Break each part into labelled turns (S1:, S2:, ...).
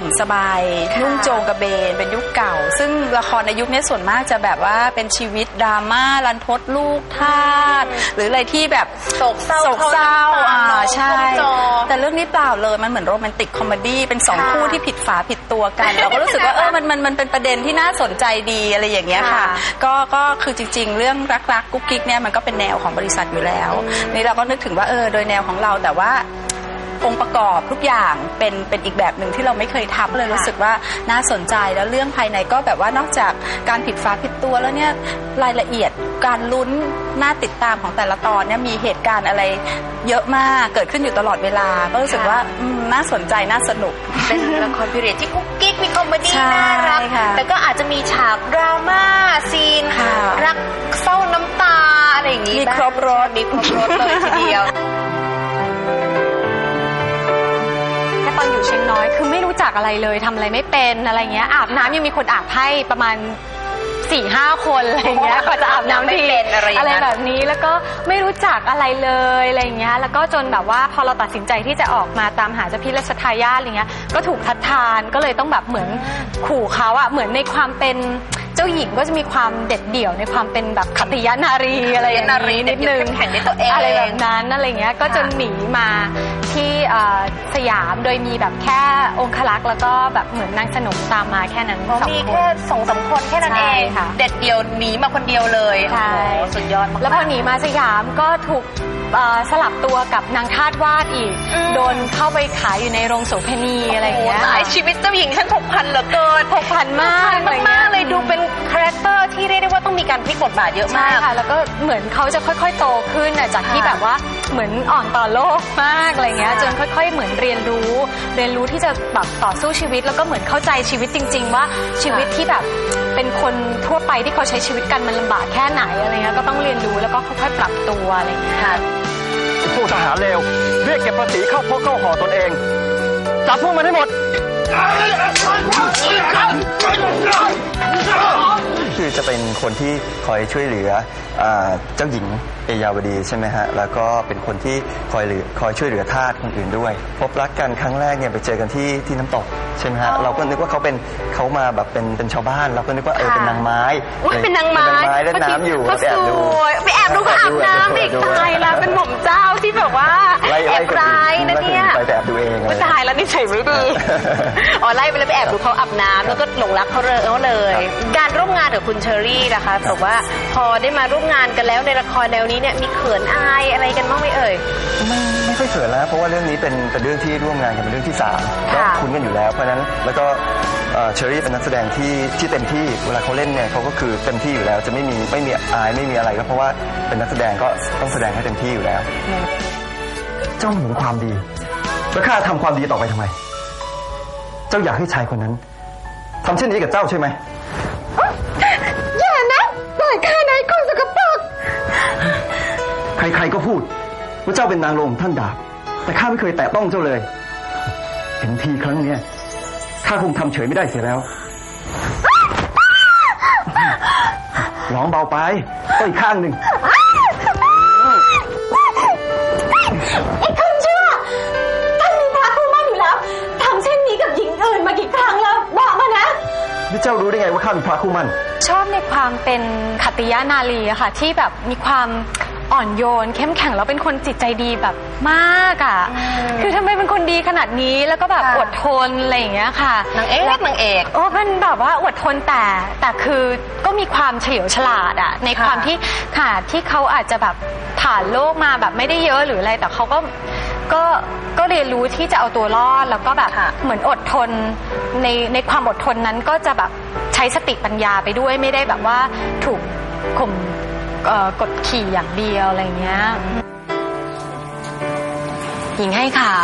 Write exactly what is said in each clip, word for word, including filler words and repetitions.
S1: สบายนุ่งโจงกระเบนเป็นยุคเก่าซึ่งละครในยุคนี้ส่วนมากจะแบบว่าเป็นชีวิตดราม่ารันทดลูกทาสหรืออะไรที่แบบ
S2: โศกเศร้า
S1: โศกเศร้าอ่าใช่แต่เรื่องนี้เปล่าเลยมันเหมือนโรแมนติกคอมเมดี้เป็นสองคู่ที่ผิดฝาผิดตัวกันเราก็รู้สึกว่าเออมันมันมันเป็นประเด็นที่น่าสนใจดีอะไรอย่างเงี้ยค่ะก็ก็คือจริงๆเรื่องรักๆกุ๊กกิ๊กเนี่ยมันก็เป็นแนวของบริษัทอยู่แล้วนี่เราก็นึกถึงว่าเออโดยแนวของเราแต่ว่าองค์ประกอบทุกอย่างเป็นเป็นอีกแบบหนึ่งที่เราไม่เคยทำเลยรู้สึกว่าน่าสนใจแล้วเรื่องภายในก็แบบว่านอกจากการผิดฝาผิดตัวแล้วเนี่ยรายละเอียดการลุ้นน่าติดตามของแต่ละตอนเนี่ยมีเหตุการณ์อะไรเยอะมากเกิดขึ้นอยู่ตลอดเวลาก็รู้สึกว่าน่าสนใจน่าสนุก
S2: เป็นละครพีเรียดที่กุ๊กกิ๊กมีคอมเมดี้น่ารักแต่ก็อาจจะมีฉากดราม่าซีนรักเศร้าน้ำตาอะไรอย่างนี้
S1: มีครบรส
S2: มีครบรสเลยทีเดียว
S3: ตอนอยู่เชียงน้อยคือไม่รู้จักอะไรเลยทำอะไรไม่เป็นอะไรเงี้ยอาบน้ำยังมีคนอาบให้ประมาณสี่ห้าคนอะไรเงี้ยกว่าจะอาบน้ำทีอะไรแบบนี้แล้วก็ไม่รู้จักอะไรเลยอะไรเงี้ยแล้วก็จนแบบว่าพอเราตัดสินใจที่จะออกมาตามหาเจ้าพี่ราชทายาทอะไรเงี้ยก็ถูกทัดทานก็เลยต้องแบบเหมือนขู่เขาอะเหมือนในความเป็นเจ้าหญิงก็จะมีความเด็ดเดี่ยวในความเป็นแบบขัตติยนารีอะไรอย่างนี้นิดนึง
S2: แข่งในตัวเอง
S3: อะไรแบบนั้นอะไรเงี้ยก็จนหนีมาที่สยามโดยมีแบบแค่องครักษ์แล้วก็แบบเหมือนนางสนมตามมาแค่นั้นสองคน
S2: มีแค่สองสามคนแค่นั้นเองเด็ดเดี่ยวหนีมาคนเดียวเลย
S3: ใช่
S2: สุดยอดมาก
S3: แล้วพอหนีมาสยามก็ถูกสลับตัวกับนางทาสวาดอีกโดนเข้าไปขายอยู่ในโรงโสเภณีอะไรอย่างเงี้ย
S2: ชีวิตเจ้าหญิงฉันผกผันเหลือเกิน
S3: ผกผันมาก
S2: มากเลยดูเป็นคาแรคเตอร์ที่เรียกได้ว่าต้องมีการพลิกบทบาทเยอะมาก
S3: ค่ะแล้วก็เหมือนเขาจะค่อยๆโตขึ้นจากที่แบบว่าเหมือนอ่อนต่อโลกมากอะไรเงี้ยจนค่อยๆเหมือนเรียนรู้เรียนรู้ที่จะแบบต่อสู้ชีวิตแล้วก็เหมือนเข้าใจชีวิตจริงๆว่าชีวิตที่แบบเป็นคนทั่วไปที่เขาใช้ชีวิตกันมันลำบากแค่ไหนอะไรเงี้ยก็ต้องเรียนรู้แล้วก็ค่อยๆปรับตัวอะไรเงี้ย
S4: พวกทหารเลวเรียกเก็บภาษีเข้าพวกเข้าห่อตนเองจับพวกมันให้หมด
S5: คือจะเป็นคนที่คอยช่วยเหลือเจ้าหญิงเอยาวดีใช่ไหมฮะแล้วก็เป็นคนที่คอยเหลือคอยช่วยเหลือทาสคนอื่นด้วยพบรักกันครั้งแรกเนี่ยไปเจอกันที่ที่น้ำตกใช่ไหมฮะเราก็นึกว่าเขาเป็นเขามาแบบเป็นเป็นชาวบ้านเราก็นึกว่าเออเป็นนางไม้
S2: เป็นนางไม้
S5: เล่นน้ำอยู่
S2: ไปแอบดูไปแอบดูเขาอาบน้ำอีกตายแล้วเป็นหม่อมเจ้าที่แบบว่าแอบร้ายนะเนี่ย
S5: ไปแอบดูเอง
S2: ตายแล้วนิสัยไม่ดีอ๋อไล่ไปแล้วไปแอบดูเขาอาบน้ำแล้วก็หลงรักเขาเลยการร่วมงานกับคุณเชอรี่นะคะบอกว่าพอได้มาร่วมงานกันแล้วในละครแนวนี้เนี่ยมีเขินอายอะไรกันบ้างไหมเอ่ย
S5: ไม่ไม่ค่อยเขินแล้วเพราะว่าเรื่องนี้เป็นเป็นเรื่องที่ร่วมงานกันเป็นเรื่องที่สามก็คุ้นกันอยู่แล้วเพราะฉะนั้นแล้วก็เชอรี่เป็นนักแสดงที่ที่เต็มที่เวลาเขาเล่นเนี่ยเขาก็คือเต็มที่อยู่แล้วจะไม่มีไม่มีอายไม่มีอะไรก็เพราะว่าเป็นนักแสดงก็ต้องแสดงให้เต็มที่อยู่แล้วเจ้าหวงความดีแล้วข้าทำความดีต่อไปทำไมเจ้าอยากให้ชายคนนั้นทำเช่นนี้กับเจ้าใช่ไหม
S2: อย่านะปล่อยข้าในคนสกปรก
S5: ใครๆก็พูดว่าเจ้าเป็นนางลมท่านดาบแต่ข้าไม่เคยแตะต้องเจ้าเลยเห็นทีครั้งนี้ข้าคงทำเฉยไม่ได้เสียแล้วร้องเบาไปก็อีกข้างหนึ่ง
S2: ไอ้คนชั่วท่านมีพระคู่มั่นอยู่แล้วทำเช่นนี้กับหญิงอื่นมากี่ครั้งแล้วบอกมานะ
S5: นี่เจ้ารู้ได้ไงว่าข้ามีพระคู่มั่น
S3: ชอบในความเป็นขัตติยนารีอะค่ะที่แบบมีความอ่อนโยนเข้มแข็งแล้วเป็นคนจิตใจดีแบบมากอ่ะคือทำไมเป็นคนดีขนาดนี้แล้วก็แบบอดทนอะไรอย่างเงี้ยค่ะ
S2: นางเอกนางเอก
S3: โอ้เป็นแบบว่าอดทนแต่แต่คือก็มีความเฉลียวฉลาดอ่ะในความที่ค่ะที่เขาอาจจะแบบผ่านโลกมาแบบไม่ได้เยอะหรืออะไรแต่เขาก็ก็ก็เรียนรู้ที่จะเอาตัวรอดแล้วก็แบบเหมือนอดทนในในความอดทนนั้นก็จะแบบใช้สติปัญญาไปด้วยไม่ได้แบบว่าถูกข่มกดขี่อย่างเดียวอะไรเงี้ย
S6: หญิงให้ขาว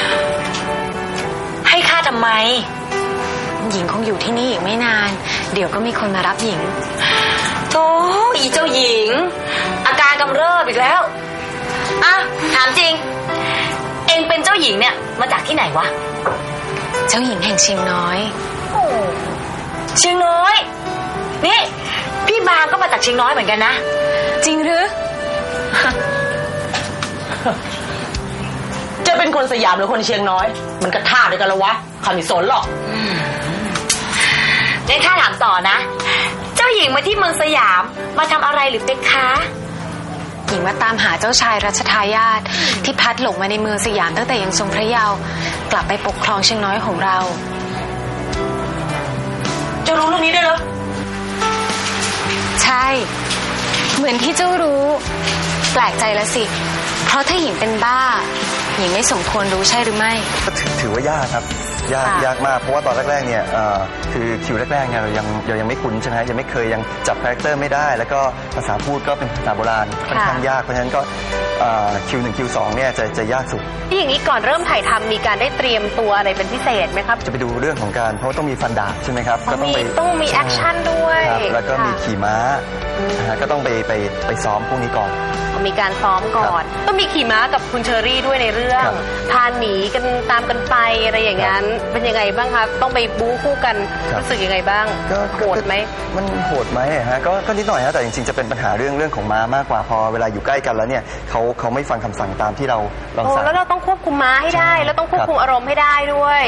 S6: ให้ข้าทำไมหญิงคงอยู่ที่นี่อีกไม่นานเดี๋ยวก็มีคนมารับหญิงโธ่อีเจ้าหญิงอาการกำเริบอีกแล้วอ่ะถามจริงเองเป็นเจ้าหญิงเนี่ยมาจากที่ไหนวะ
S3: เจ้าหญิงแห่งเชียงน้อย
S6: เชียงน้อยนี่พี่บางก็มาจากเชียงน้อยเหมือนกันนะ
S3: จริงหรือ
S6: จะ
S7: เป็นคนสยามหรือคนเชียงน้อยมันก็ท่าเดียวกันละวะข้าไม่สนหรอก
S6: ในข้าถามต่อนะเจ้าหญิงมาที่เมืองสยามมาทำอะไรหรือเพคะ
S3: หญิงมาตามหาเจ้าชายรัชทายาทที่พัดหลงมาในเมืองสยามตั้งแต่ยังทรงพระเยาว์กลับไปปกครองเชียงน้อยของเรา
S6: เจ้ารู้เรื่องนี้ด้วยเหรอ
S3: ใช่เหมือนที่เจ้ารู้แปลกใจละสิเพราะถ้าหญิงเป็นบ้าหญิงไม่สมควรรู้ใช่หรือไม่
S5: ก็ถือถือว่ายากครับยากยากมากเพราะว่าตอนแรกๆเนี่ยคือคิวแรกๆเนี่ยเรายังเรายังไม่คุ้นใช่ไหมยังไม่เคยยังจับคาแรคเตอร์ไม่ได้แล้วก็ภาษาพูดก็เป็นภาษาโบราณค่อนข้างยากเพราะฉะนั้นก็คิวหนึ่งคิวสองเนี่ยจะจะยากสุด
S2: ที่อย่างนี้ก่อนเริ่มถ่ายทำมีการได้เตรียมตัวอะไรเป็นพิเศษไหมครับ
S5: จะไปดูเรื่องของการเพราะต้องมีฟันดาบใช่ไหมครับ
S2: ก็ต้องไปต้องมีแอคชั่นด้วย
S5: แล้วก็มีขี่ม้าก็ต้องไปไปไปซ้อมพวกนี้ก่อน
S2: มีการซ้อมก่อนต้องมีขี่ม้ากับคุณเชอรี่ด้วยในเรื่องพาหนีกันตามกันไปอะไรอย่างนั้นเป็นยังไงบ้างครับต้องไปบู๊คู่กันรู้สึกยังไงบ้างโหดไหม
S5: มันโหดไหมฮะก็ก็นิดหน่อยฮะแต่จริงๆจะเป็นปัญหาเรื่องเรื่องของม้ามากกว่าพอเวลาอยู่ใกล้กันแล้วเนี่ยเขาเขาไม่ฟังคำสั่งตามที่เราเราสั่ง
S2: แล้วเราต้องควบคุมม้าให้ได้แล้วต้องควบคุมอารมณ์ให้ได้ด้วย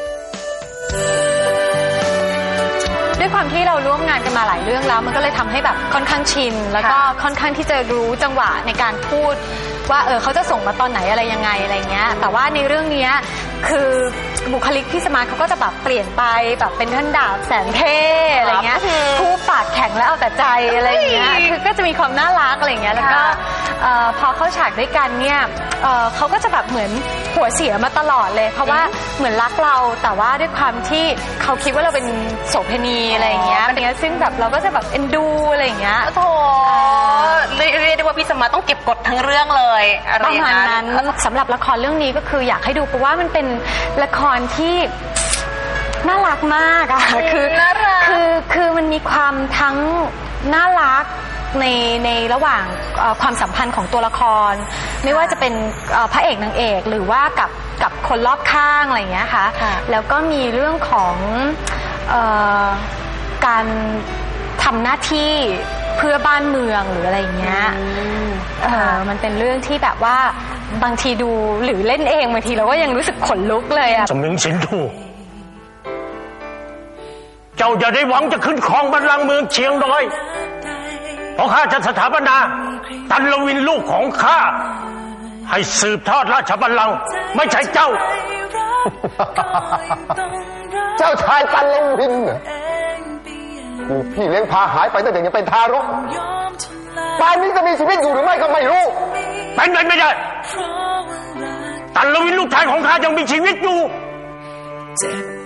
S3: ด้วยความที่เราร่วมงานกันมาหลายเรื่องแล้วมันก็เลยทำให้แบบค่อนข้างชินแล้วก็ค่อนข้างที่จะรู้จังหวะในการพูดว่าเออเขาจะส่งมาตอนไหนอะไรยังไงอะไรเงี้ยแต่ว่าในเรื่องนี้คือบุคลิกพี่สมาร์ทเขาก็จะแบบเปลี่ยนไปแบบเป็นท่านดาบแสนเท่อะไรเงี้ยพูดปากแข็งแล้วเอาแต่ใจอะไรเงี้ยคือก็จะมีความน่ารักอะไรเงี้ยแล้วก็พอเข้าฉากด้วยกันเนี่ยเขาก็จะแบบเหมือนหัวเสียมาตลอดเลยเพราะว่าเหมือนรักเราแต่ว่าด้วยความที่เขาคิดว่าเราเป็นโสเภณีอะไรเงี้ยเป็นเงี้ยซึ่งแบบเราก็จะแบบเอ็นดูอะไรเงี้ย
S2: โธ่เรียกได้ว่าพี่สมาร์ทต้องเก็บกดทั้งเรื่องเลย
S3: ประมาณนั้นสำหรับละครเรื่องนี้ก็คืออยากให้ดูเพราะว่ามันเป็นละครที่น่ารักมากอะคือคือคือมันมีความทั้งน่ารักในในระหว่างความสัมพันธ์ของตัวละครไม่ว่าจะเป็นพระเอกนางเอกหรือว่ากับกับคนรอบข้างอะไรอย่างเงี้ยค่ะแล้วก็มีเรื่องของเอ่อการทำหน้าที่เพื่อบ้านเมืองหรืออะไรอย่างเงี้ยเออมันเป็นเรื่องที่แบบว่าบางทีดูหรือเล่นเองบางทีเราก็ยังรู้สึกขนลุกเลยอะ
S8: สมิงสินทูเจ้าอย่าได้หวังจะขึ้นครองบัลลังก์เมืองเชียงน้อยเพราะข้าจะสถาปนาตันลวินลูกของข้าให้สืบทอดราชบัลลังก์ไม่ใช่เจ้า
S9: เจ้าชายตันลวินกูพี่เลี้ยงพาหายไปตั้งแต่ยังเป็นทารกป่านนี้จะมีชีวิตอยู่หรือไม่ก็ไม่รู้
S8: เป็นไปไม่ได้ตันลวินลูกชายของข้ายังมีชีวิตอยู่